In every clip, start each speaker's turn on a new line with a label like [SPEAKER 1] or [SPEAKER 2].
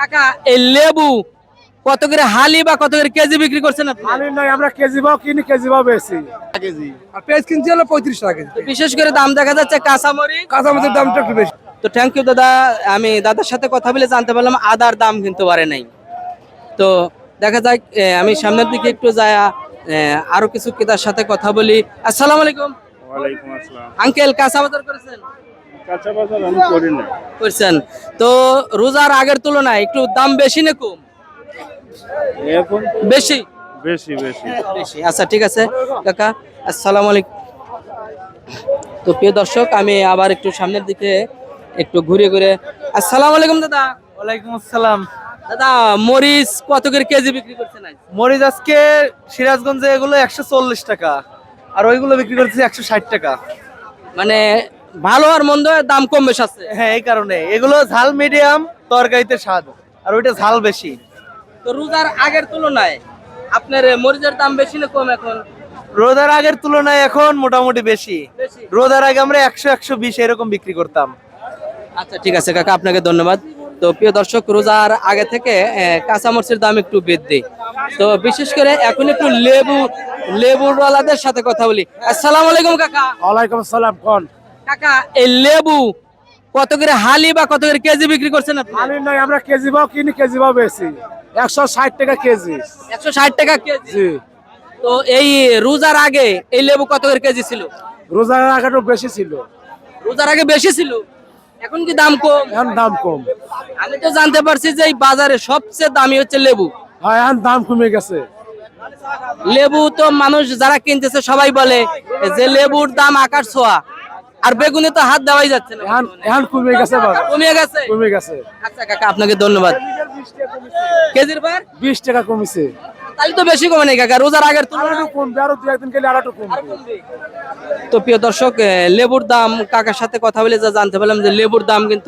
[SPEAKER 1] কাকা এই লেবু কত করে হালি বা কত করে কেজি বিক্রি করছেন আপনি?
[SPEAKER 2] হালি নাই, আমরা কেজি ভাও কিনি, কেজি ভাও বেশি।
[SPEAKER 3] কেজি
[SPEAKER 2] আর পেঁয়াজ কিনছি হলো 35 টাকা কেজি।
[SPEAKER 1] তো বিশেষ করে দাম দেখা যাচ্ছে কাঁচামরিচ।
[SPEAKER 2] কাঁচামরিচের দামটা একটু বেশি।
[SPEAKER 1] তো থ্যাংক ইউ দাদা, আমি দাদার সাথে কথা বলে জানতে পারলাম আদার দাম কিন্তু বাড়ে নাই। তো দেখা যাক, আমি সামনের দিকে একটু যায়, আরো কিছু ক্রেতার সাথে কথা বলি। আসসালামু আলাইকুম।
[SPEAKER 3] ওয়ালাইকুম আসসালাম।
[SPEAKER 1] আঙ্কেল, কাঁচা বাজার করেছেন?
[SPEAKER 3] কাঁচা বাজার আমি করি না।
[SPEAKER 1] করছেন। তো রোজার আগের তুলনায় একটু দাম বেশি না কম?
[SPEAKER 3] এখন
[SPEAKER 1] বেশি
[SPEAKER 3] বেশি বেশি
[SPEAKER 1] বেশি। আচ্ছা ঠিক আছে কাকা, আসসালামু আলাইকুম। তো প্রিয় দর্শক, আমি আবার একটু সামনের দিকে একটু ঘুরে ঘুরে। আসসালামু আলাইকুম দাদা।
[SPEAKER 4] ওয়ালাইকুম আসসালাম।
[SPEAKER 1] দাদা, মরিচ কত করে কেজি বিক্রি করছেন আজ?
[SPEAKER 4] মরিচ আজকে সিরাজগঞ্জে এগুলো 140 টাকা, আর ওইগুলো বিক্রি করতেছি 160 টাকা।
[SPEAKER 1] মানে ভালো আর মন্দ দাম কম বেশ আছে।
[SPEAKER 4] হ্যাঁ, এই কারণে এগুলো ঝাল মিডিয়াম, তরকারিতে স্বাদ, আর ওইটা ঝাল বেশি।
[SPEAKER 1] তো রোজার আগের তুলনায় আপনার মরিচের দাম বেশি না কম এখন?
[SPEAKER 4] রোজার আগের তুলনায় এখন মোটামুটি বেশি।
[SPEAKER 1] বেশি।
[SPEAKER 4] রোজার আগে আমরা 100-120 এরকম বিক্রি করতাম।
[SPEAKER 1] আচ্ছা ঠিক আছে কাকা, আপনাকে ধন্যবাদ। তো প্রিয় দর্শক, রোজার আগে থেকে কাঁচামরিচের দাম একটু বৃদ্ধি। তো বিশেষ করে এখন একটু লেবুওয়ালাদের সাথে কথা বলি। আসসালামু আলাইকুম কাকা।
[SPEAKER 2] ওয়ালাইকুম আসসালাম। কোন
[SPEAKER 1] কাকা এই লেবু কত করে হালি বা কত করে কেজি বিক্রি করছেন আপনি?
[SPEAKER 2] হালি নাই, আমরা কেজি ভাও কিনি, কেজি ভাও বেশি। 160 টাকা কেজি।
[SPEAKER 1] 160 টাকা কেজি।
[SPEAKER 2] জি।
[SPEAKER 1] তো এই রোজার আগে এই লেবু কত করে কেজি ছিল?
[SPEAKER 2] রোজার আগে একটু বেশি ছিল,
[SPEAKER 1] রোজার আগে বেশি ছিল, এখন কি দাম কম?
[SPEAKER 2] এখন দাম কম।
[SPEAKER 1] আমি তো জানতে পারছি যে এই বাজারে সবচেয়ে দামি হচ্ছে লেবু।
[SPEAKER 2] হ্যাঁ, এখন দাম কমে গেছে।
[SPEAKER 1] লেবু তো মানুষ যারা কিনতেছে সবাই বলে যে লেবুর দাম আকাশ ছোঁয়া, আর বেগুনে তো হাত দেওয়াই যাচ্ছে না।
[SPEAKER 2] এখন এখন কমে গেছে, বাজার
[SPEAKER 1] কমে গেছে।
[SPEAKER 2] কমে গেছে।
[SPEAKER 1] আচ্ছা কাকা, আপনাকে ধন্যবাদ। কেজির পর
[SPEAKER 2] 20 টাকা কমেছে।
[SPEAKER 1] তাহলে তো বেশি কমে নেই কাকা, রোজার আগের
[SPEAKER 2] আর
[SPEAKER 1] তুলনায়
[SPEAKER 2] একটু কমবে, আরো 2-1 দিন গেলে আর একটু কমবে।
[SPEAKER 1] তো প্রিয় দর্শক, লেবুর দাম কাকার সাথে কথা বলে যা জানতে পারলাম যে লেবুর দাম কিন্তু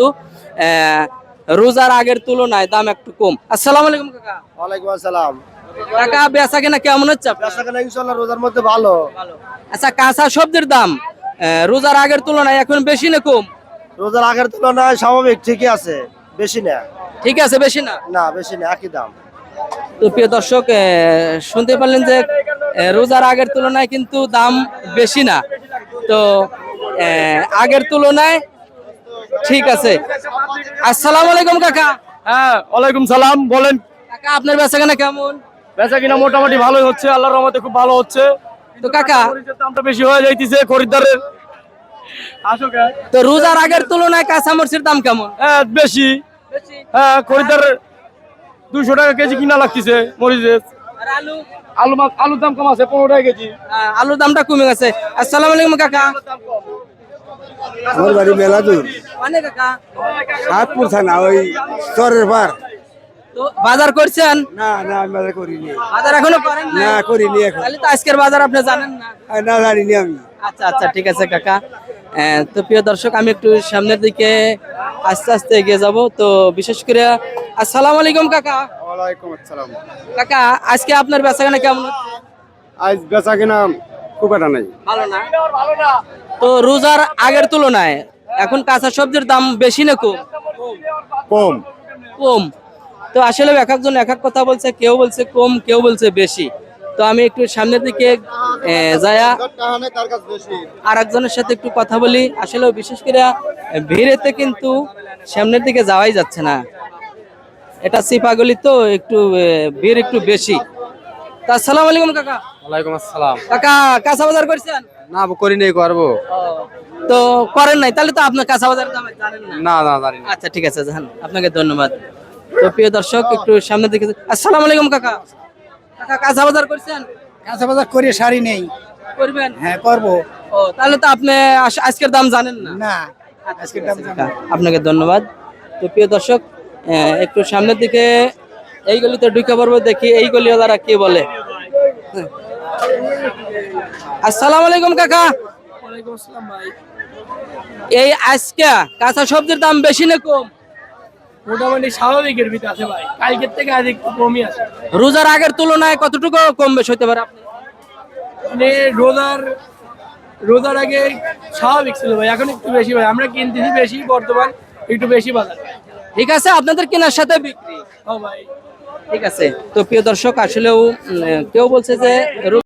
[SPEAKER 1] রোজার আগের তুলনায় দাম একটু কম। আসসালামু আলাইকুম কাকা।
[SPEAKER 2] ওয়ালাইকুম আসসালাম।
[SPEAKER 1] কাকা, বেচা কেনা কেমন হচ্ছে আপনার?
[SPEAKER 2] বেচাকেনা ইনশাআল্লাহ রোজার মধ্যে ভালো।
[SPEAKER 1] আচ্ছা, কাঁচা সবজির দাম রোজার আগের তুলনায় এখন বেশি না কম?
[SPEAKER 2] রোজার আগের তুলনায় স্বাভাবিক, ঠিকই আছে, বেশি না।
[SPEAKER 1] ঠিক আছে, বেশি না?
[SPEAKER 2] না, বেশি না, একই দাম।
[SPEAKER 1] তো প্রিয় দর্শক, শুনতে পারলেন যে রোজার আগের তুলনায় কিন্তু দাম বেশি না। তো আগের তুলনায় ঠিক আছে। আসসালামু আলাইকুম কাকা।
[SPEAKER 2] হ্যাঁ, ওয়ালাইকুম সালাম। বলেন।
[SPEAKER 1] কাকা, আপনার বেচাকেনা কেমন?
[SPEAKER 2] বেচা কিনা মোটামুটি ভালোই হচ্ছে, আল্লাহর রহমতে খুব ভালো হচ্ছে।
[SPEAKER 1] তো কাকা,
[SPEAKER 2] মরিচের দামটা বেশি হয়ে যাইতেছে খরিদ্দারের। আসো কে?
[SPEAKER 1] তো রোজার আগের তুলনায় কাঁচা মরিচের দাম কেমন?
[SPEAKER 2] হ্যাঁ, বেশি। হ্যাঁ, খরিদ্দারের 200 টাকা কেজি কিনা লাগতেছে মরিচের।
[SPEAKER 1] আর আলু?
[SPEAKER 2] আলুর দাম কম আছে, 15 টাকা কেজি।
[SPEAKER 1] আলুর দামটা কমে গেছে। আসসালামু আলাইকুম কাকা।
[SPEAKER 5] আমার বাড়ি মেলাদুর,
[SPEAKER 1] মানে কাকা,
[SPEAKER 5] সাতপুর থানা, ওই চরের পার।
[SPEAKER 1] তো বাজার করছেন?
[SPEAKER 5] না না, আমি বাজার করিনি।
[SPEAKER 1] বাজার এখনো করেন না?
[SPEAKER 5] না, করিনি এখন।
[SPEAKER 1] তাহলে তো আজকের বাজার আপনি জানেন না।
[SPEAKER 5] না, জানিনি আমি।
[SPEAKER 1] আচ্ছা আচ্ছা ঠিক আছে কাকা। তো প্রিয় দর্শক, আমি একটু সামনের দিকে আস্তে আস্তে এগিয়ে যাব। তো বিশেষ করে আসসালামু আলাইকুম কাকা।
[SPEAKER 3] ওয়ালাইকুম আসসালাম।
[SPEAKER 1] কাকা, আজকে আপনার বেচাকেনা কেমন হচ্ছে?
[SPEAKER 3] আজ বেচা কিনা খুব একটা নেই।
[SPEAKER 1] ভালো না? তো রোজার আগের তুলনায় এখন কাঁচা সবজির দাম বেশি না কম?
[SPEAKER 3] কম।
[SPEAKER 1] কম। তো আসলে এক একজন এক এক কথা বলছে, কেউ বলছে কম, কেউ বলছে বেশি। তো আমি একটু সামনের দিকে যায়া আর একজনের সাথে একটু কথা বলি। আসলে বিশেষ করে ভিড়েতে কিন্তু সামনের দিকে যাওয়াই যাচ্ছে না, এটা সিপাগলি তো একটু ভিড় একটু বেশি। তা আসসালামু আলাইকুম কাকা।
[SPEAKER 2] ওয়ালাইকুম আসসালাম।
[SPEAKER 1] কাকা, কাঁচা বাজার করছেন?
[SPEAKER 2] না, করিনি, করবো।
[SPEAKER 1] তো করেন নাই, তাহলে তো আপনার কাঁচা বাজার দাম জানেন না।
[SPEAKER 2] না না, জানি না।
[SPEAKER 1] আচ্ছা ঠিক আছে, জান, আপনাকে ধন্যবাদ। তো প্রিয় দর্শক, একটু সামনের দিকে। আসসালামু আলাইকুম কাকা। কাকা, কাঁচা বাজার করছেন?
[SPEAKER 5] কাঁচা বাজার করে শাড়ি নেই।
[SPEAKER 1] করবেন?
[SPEAKER 5] হ্যাঁ, করবো।
[SPEAKER 1] ও, তাহলে তো আপনি আজকের দাম জানেন না।
[SPEAKER 5] না,
[SPEAKER 1] আজকের দাম জানেন। আপনাকে ধন্যবাদ। তো প্রিয় দর্শক, একটু সামনের দিকে এই গলিতে ঢুকে পড়বো, দেখি এই গলিওয়ালারা কি বলে। আসসালামু আলাইকুম কাকা।
[SPEAKER 2] ওয়ালাইকুম আসসালাম ভাই।
[SPEAKER 1] এই আজকে কাঁচা সবজির দাম বেশি না কম?
[SPEAKER 2] মোটামুটি স্বাভাবিকের ভিতরে আছে ভাই, কালকের থেকে আজ একটু কমই আছে।
[SPEAKER 1] রোজার আগের তুলনায় কতটুকু কম বেশি হতে পারে আপনি?
[SPEAKER 2] মানে রোজার আগে স্বাভাবিক ছিল ভাই, এখন একটু বেশি ভাই, আমরা কিনতেছি বেশি, বর্তমান একটু বেশি বাজার।
[SPEAKER 1] ঠিক আছে, আপনাদের কেনার সাথে বিক্রি। ঠিক আছে, তো প্রিয় দর্শক আসলেও কেউ বলছে যে